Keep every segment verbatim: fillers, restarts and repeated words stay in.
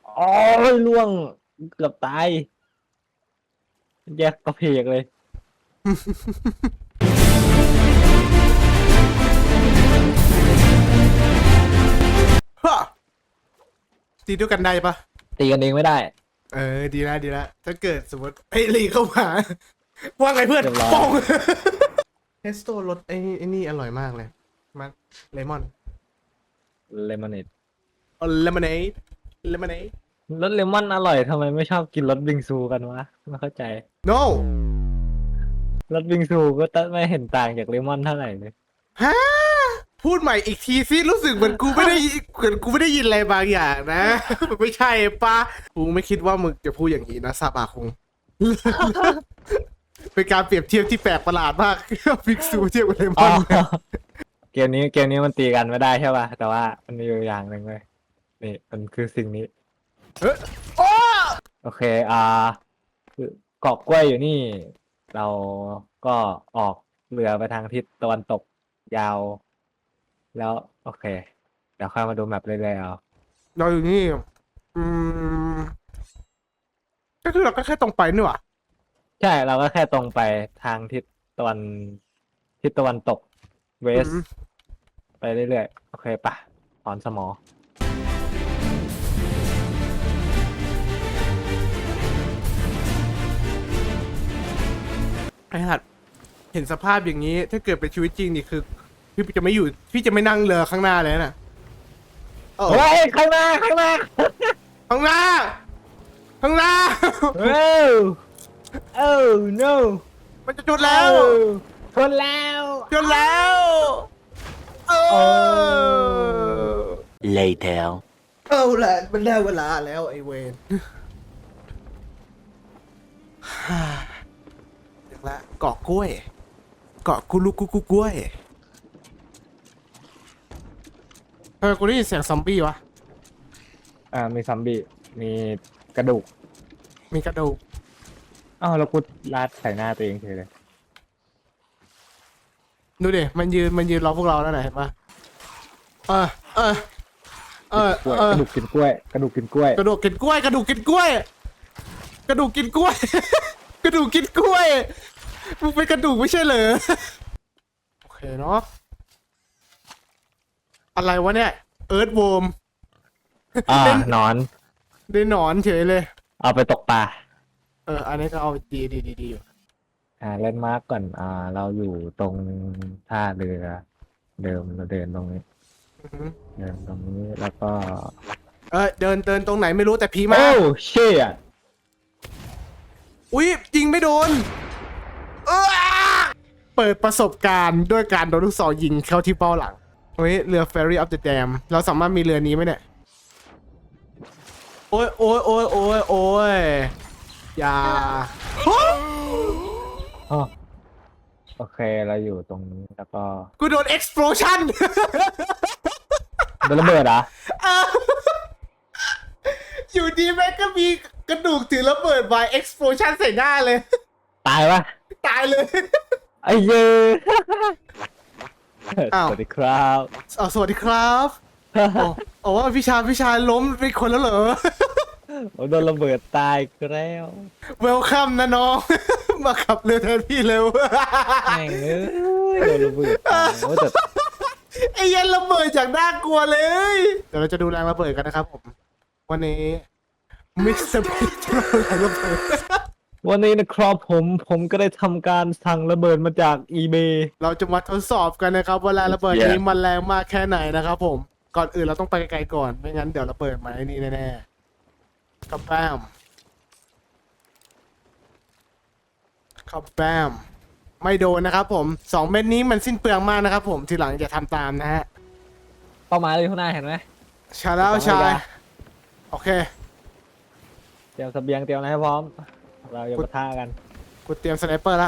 อ๋อล่วงเกือบตายแยกกระเพกเลยฮะตีด้วยกันได้ปะตีกันเองไม่ได้เออดีละดีละถ้าเกิดสมมติไอ้ลีเข้ามาว่าไงเพื่อนเรียบร้อยป้องเทสโต้รสไอ้ไอ้นี่อร่อยมากเลยมันเลมอนเลมอนเนดเลมอนเนดเลมอนเนดรสเลมอนอร่อยทำไมไม่ชอบกินรสบิงซูกันวะไม่เข้าใจ no รสบิงซูก็ไม่เห็นต่างจากเลมอนเท่าไหร่เลยฮะพูดใหม่อีกทีสิรู้สึกเหมือนกูไม่ได้ยินเหมือนกูไม่ได้ยินอะไรบางอย่างนะ มันไม่ใช่ปะกูไม่คิดว่ามึงจะพูดอย่างนี้นะซาบะคง เป็นการเปรียบเทียบที่แปลกประหลาดมากฟิกซูเทียบกับเลมอ๋ออน เกมนี้เกมนี้มันตีกันไม่ได้ใช่ป่ะแต่ว่ามันมีอยู่อย่างหนึ่งเลยนี่มันคือสิ่งนี้เฮ้ยโอ้โอเคอ่าคือเกาะกล้วยอยู่นี่ เราก็ออกเรือไปทางทิศตะวันตกยาว แล้วโอเคเดี๋ยวค่อยมาดูแมปเรื่อยๆเอาเราอยู่นี่อืมก็คือเราก็แค่ตรงไปนี่หว่าใช่เราก็แค่ตรงไปทางทิศตะวันทิศตะวันตกเวสอืมไปเรื่อยๆโอเคปะถอนสมอไอ้หัดเห็นสภาพอย่างนี้ ถ้าเกิดเป็นชีวิตจริงนี่คือ พี่จะไม่อยู่ พี่จะไม่นั่งเรือข้างหน้าเลยนะโอ้เฮ้ยข้างหน้าข้างหน้าข้างหน้า ข้างหน้าเอ้าเอ้า no มันจะจุดแล้วชนแล้วจุดแล้วเอโอ้อ Later. เอาละมันได้เวลาแล้วไอเวนถึงละเกาะกล้วย เกาะกุลุกุกุกล้วยเออกูได้ยินเสียงซอมบี้วะอ่ามีซัมบี้มีกระดูกมีกระดูกอ้าวแล้วกูลาดใส่หน้าตัวเองเฉยเลยดูดิ มันยืน มันยืนรอพวกเราแล้วนะเห็นปะเออ เออ เออกล้วยเออกระดูกกินกล้วย กระดูกกินกล้วยกระดูกกินกล้วย กระดูกกินกล้วย กระดูกกินกล้วย กระดูกกินกล้วย มึงเป็นกระดูกไม่ใช่เหรอ โอเคเนาะ อะไรวะเนี่ย เอิร์ธโวมอ่าเป็นหนอนได้หนอนเฉยเลยเอาไปตกปลาเออ อันนี้ก็เอาดีดีดีดีอยู่อ่าเล่นมาร์กก่อน อ่า เราอยู่ตรงท่าเรือ เดิมเราเดินตรงนี้อือหือเดินตรงนี้แล้วก็เออเดินเดินตรงไหนไม่รู้แต่ผีมาโอ้เชี่ยอุ๊ยยิงไม่โดนเออเปิดประสบการณ์ด้วยการโดนลูกศรยิงเข้าที่เป้าหลังเฮ้ยเรือ Ferry of the Dam เราสามารถมีเรือนี้ไหมเนี่ย โอ้ยโอ้ยโอ้ยโอ้ยโอ้ยอย่าอ๋อโอเคเราอยู่ตรงนี้แล้วก็กูโดน explosion โดนระเบิดเหรอ่ะอยู่ดีแม่งก็มีกระดูกถือระเบิดไว้ explosion ใส่หน้าเลยตายปะตายเลยไอ้เย้อ้าวสวัสดีครับอ๋อสวัสดีครับอ๋ออ๋อว่าพี่ชายพี่ชายล้มเป็นคนแล้วเหรอผมโดนระเบิดตายก็แล้วเวลคัมนะน้อง มาขับเรือแทนพี่เร็วแม่งเอ้ยโดนระเบิดตายโอ้แต่ไอ้เหี้ยันระเบิดจากน่ากลัวเลย เดี๋ยวเราจะดูแรงระเบิดกันนะครับผม วันนี้มิสเตอร์พีจะมาแรงระเบิดวันนี้นะครับผมผมก็ได้ทำการสั่งระเบิดมาจาก eBay เราจะมาทดสอบกันนะครับว่าแรงระเบิดนี้มันแรงมากแค่ไหนนะครับผม ก่อนอื่นเราต้องไปไกลๆก่อน ไม่งั้นเดี๋ยวระเบิดมาไอ้นี่แน่ๆครับแบมครับแบมไม่โดนนะครับผมสองเม็ดนี้มันสิ้นเปลืองมากนะครับผมทีหลังอย่าทำตามนะฮะเป้าหมายเลยข้างหน้าเห็นไหมชาแล้วชายโอเคเตรียมเสบียงเตรียมอะไรให้พร้อม เราจะปะทะกันกูเตรียมสไนเปอร์ละ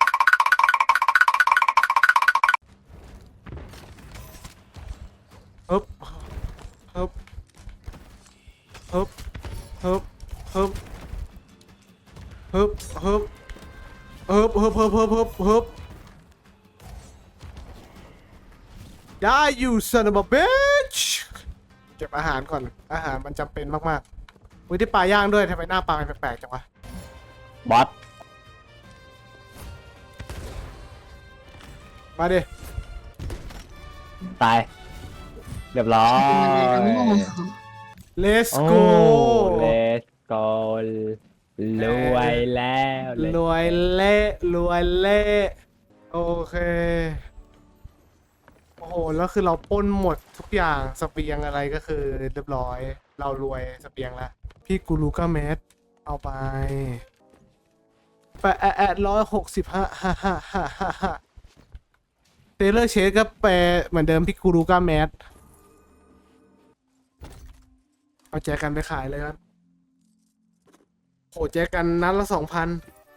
ฮึบฮึบฮึบฮึบฮึบฮึบฮึบฮึบฮึบฮึบฮึบฮึบฮึบได้ you son of a bitch เก็บอาหารก่อนอาหารมันจำเป็นมากอุ้ยได้ปลาย่างด้วยทำไมหน้าปลามันแปลกๆจังวะบอสมาดิตายเรียบร้อย let's โอ้ go let's go รวยแล้วรวยเละรวยเละโอเคโอ้โหแล้วคือเราปล้นหมดทุกอย่างเสเปียงอะไรก็คือเรียบร้อย เรารวยเสเปียงแล้วพี่กูรูก้าแมสเอาไปแปดแอดร้อยหกสิบห้าฮ่าฮ่าฮ่าฮ่าฮ่าเทเลอร์เชดก็แปลเหมือนเดิมพี่กูรูก้าแมสเอาแจกันไปขายเลยครับโหแจกันนัดละสองพัน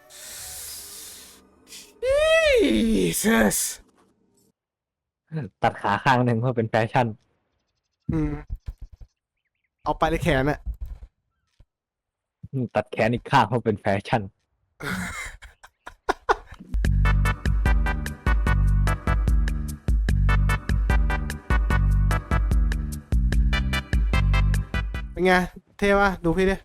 Jesus ตัดขาข้างหนึ่งเพื่อเป็นแฟชั่นอืมเอาไปเลยแขนอะตัดแขนอีกข้างเพื่อเป็นแฟชั่นเป็นไง เท่ปะดูพี่ดิ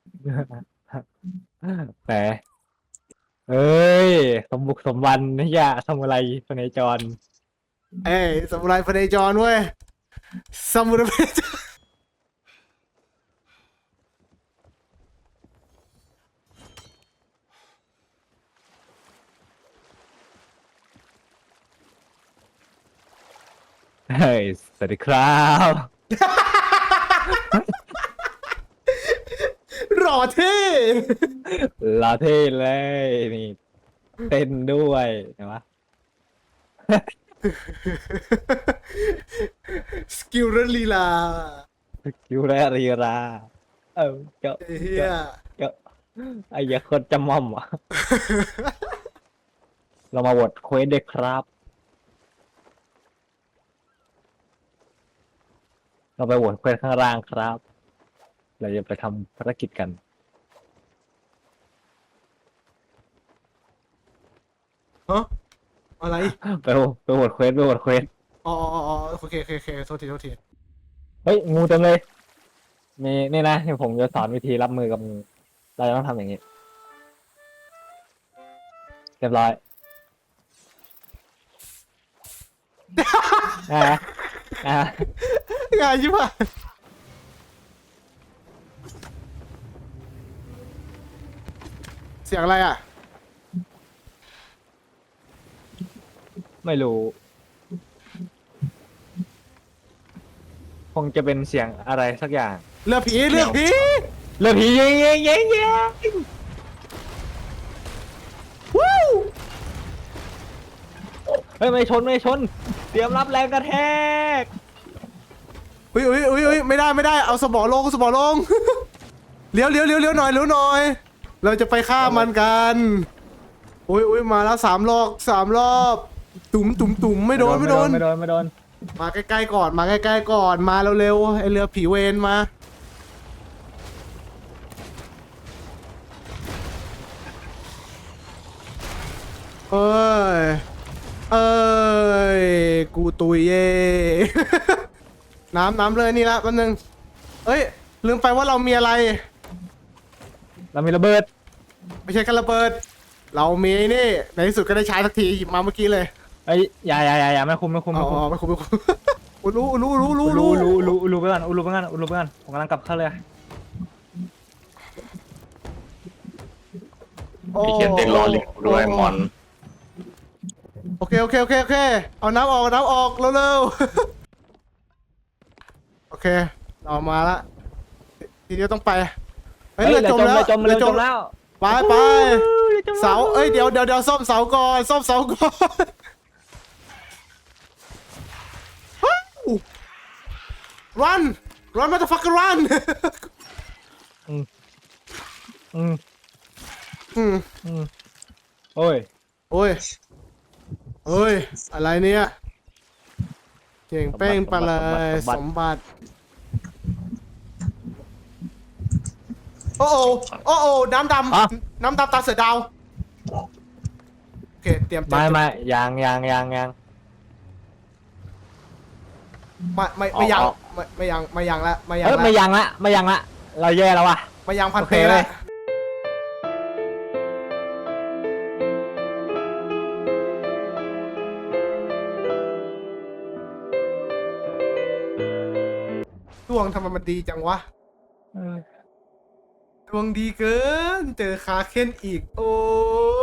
แหมเอ้ย สมบุกสมบันนี่ยะทำอะไรพเนจรเอ้ยสมุไรพเนจรเว้ยสมุไรพเนจรเฮ้ย สวัสดีครับหล่อเท่ลาเท่เลยนี่เต้นด้วยเห็นปะสกิลและลีลาคิวแรรีรา เออเจ้าเฮียเจ้าไอ้ยาคนจำม่อมอ่ะ เรามาโหวตเควสเด็กครับ เราไปโหวตเควสข้างล่างครับ เราจะไปทำภารกิจกันฮะอะไรไปโหวตไปโหวตเควสไปโหวตเควสอ๋ออ๋ออ๋อโอเคโอเคโอเคโทษทีโทษทีเฮ้ย งูเต็มเลย มีนี่นะที่ผมจะสอนวิธีรับมือกับงู เราจะต้องทำอย่างนี้ เรียบร้อย อ่าอ่างานชิบหายเสียงอะไรอ่ะไม่รู้ คงจะเป็นเสียงอะไรสักอย่างเรือผีเรือผีเรือผียิงยิงยิงยิงวู้เฮ้ย ไม่ชน ไม่ชน เตรียมรับแรงกระแทกอุ้ยอุ้ยอุ้ยอุ้ยไม่ได้ไม่ได้เอาสมอลงสมอลง เลี้ยวเลี้ยวเลี้ยวเลี้ยวหน่อยเลี้ยวหน่อย เราจะไปฆ่ามันกันอุ้ยอุ้ยมาแล้วสามรอบสามรอบ ตุ่มตุ่มตุ่มไม่โดนไม่โดนไม่โดน ไม่โดนมาใกล้ๆก่อนมาใกล้ๆก่อนมาเร็วๆไอเรือผีเวนมาเอ้ยเอ้ยกูตุยเย่ น้ำน้ำเลยนี่ละแป๊บนึงเอ้ยลืมไปว่าเรามีอะไรเรามีระเบิดไม่ใช่แค่ระเบิด เรามีไอ้นี่ในที่สุดก็ได้ใช้สักทีหยิบมาเมื่อกี้เลยเอ้ยอย่าอย่าอย่าอย่าไม่คุมไม่คุมอ๋ไม่คุมอไม่คุ้มไม่คุ้ม อุรู้รู้รู้รู้รู้รู้รู้รู้รู้ไปก่อนรู้ไปก่อนรู้ไปก่อนผมกำลังกลับเข้าเลยโอ้มีเขียนเด็กรอลิงด้วยมอนโอเคโอเคโอเคโอเคเอาน้ำออกเอาน้ำออกเร็วๆโอเคเรามาละทีเดียวต้องไปเฮ้ยเฮ้ยเรือจมแล้วจมเรือจมแล้วไปไปเสาเอ้ยเดี๋ยวเดี๋ยวเดี๋ยวซ่อมเสาก่อนซ่อมเสาก่อน run run motherfucker run อืมอืมอืมอืมโอ้ยโอ้ยเอ้ยอะไรเนี่ยเก่งเป้งไปเลยสมบัติโอ้โอโอ้โอน้ำดำน้ำดำตาเสือดาวโอเคเตรียมไม่ไม่ยางยางยางยางไม่ไม่ไม่ยังไม่ไม่ยังไม่ยังละไม่ยังเอ้ยละไม่ยังละไม่ยังละเราแย่แล้วว่ะมายังพันโอเตเคเลแล้ยวดวงทำไมมันดีจังวะเออดวงดีเกิน เจอคาเคนอีก โอ้ย